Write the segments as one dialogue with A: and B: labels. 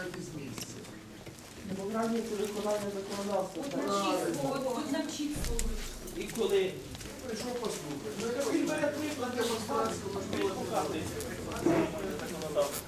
A: виїжджати з місця.
B: Демократія це виконання законодавства.
C: От навчіть слово.
B: І коли
A: Прийшов послухати. Ну,
B: він бере приклад демонстрацію, можливо, показує законодавство.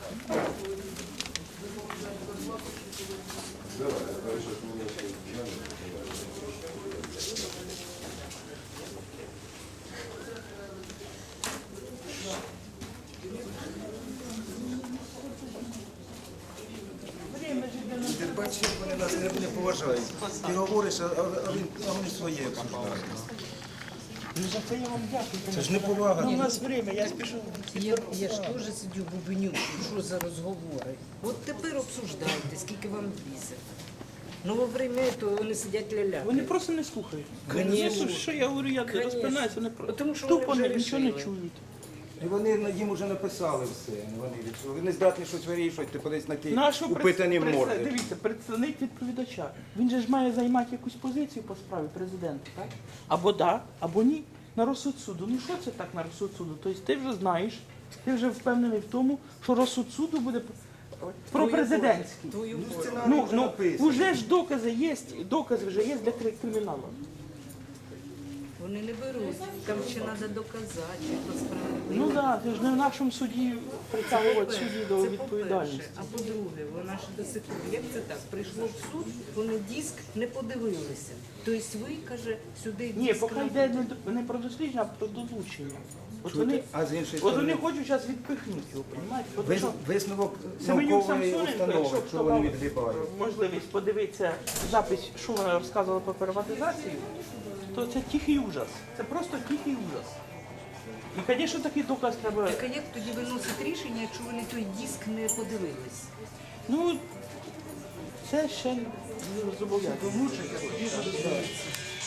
D: Ти бачиш, як вони нас не поважають. Ти говориш, а вони своє обсуждають.
B: Ну за це я вам дякую.
D: Це ж не повага.
B: Ну, у нас время, я спішу.
E: Я ж теж сидю бубеню, що за розговори. От тепер обсуждайте, скільки вам візе. Ну, во время того вони сидять ля-ля.
B: Вони просто не слухають.
E: Конечно.
B: Що я говорю, я
E: Конечно.
B: розпинаюся, вони просто
E: Тому що
B: тупо
E: вони вже
B: нічого не
E: рішили.
B: чують.
D: І вони їм вже написали все. Вони не здатні щось вирішувати, ти подивись на ті
B: Нашу
D: упитані морди.
B: Дивіться, представник відповідача. Він же ж має займати якусь позицію по справі президента, так? Або да, або ні. На розсуд суду. Ну що це так на розсуд суду? Тобто ти вже знаєш, ти вже впевнений в тому, що розсуд суду буде про президентський.
E: Твою волю.
B: Ну, вже ж докази вже є для криміналу.
E: Вони не беруть. Там ще треба доказати, що справедливо.
B: Ну так, це ж не в нашому суді притягувати судді до
E: Це
B: відповідальності.
E: по-перше. А по-друге, вона ж до сих пор, як це так? Прийшло в суд, вони диск не подивилися. Тобто ви, каже, сюди
B: Ні,
E: диск
B: поки
E: не
B: йде не про дослідження, а про долучення. От вони,
D: А з іншої
B: от вони
D: сторони,
B: хочуть зараз відпихнути його, розумієте?
D: висновок
B: Семенюк
D: наукової
B: Самсоненко,
D: установи,
B: якщо
D: що
B: хто
D: вони
B: мав
D: відгрібають.
B: можливість подивитися запис, що вона розказувала про приватизацію, то це тихий ужас. Це просто тихий ужас. І, звісно, такий доказ треба.
E: Так а як тоді виносить рішення, якщо вони той диск не подивились?
B: Ну, це ще не зобов'язано.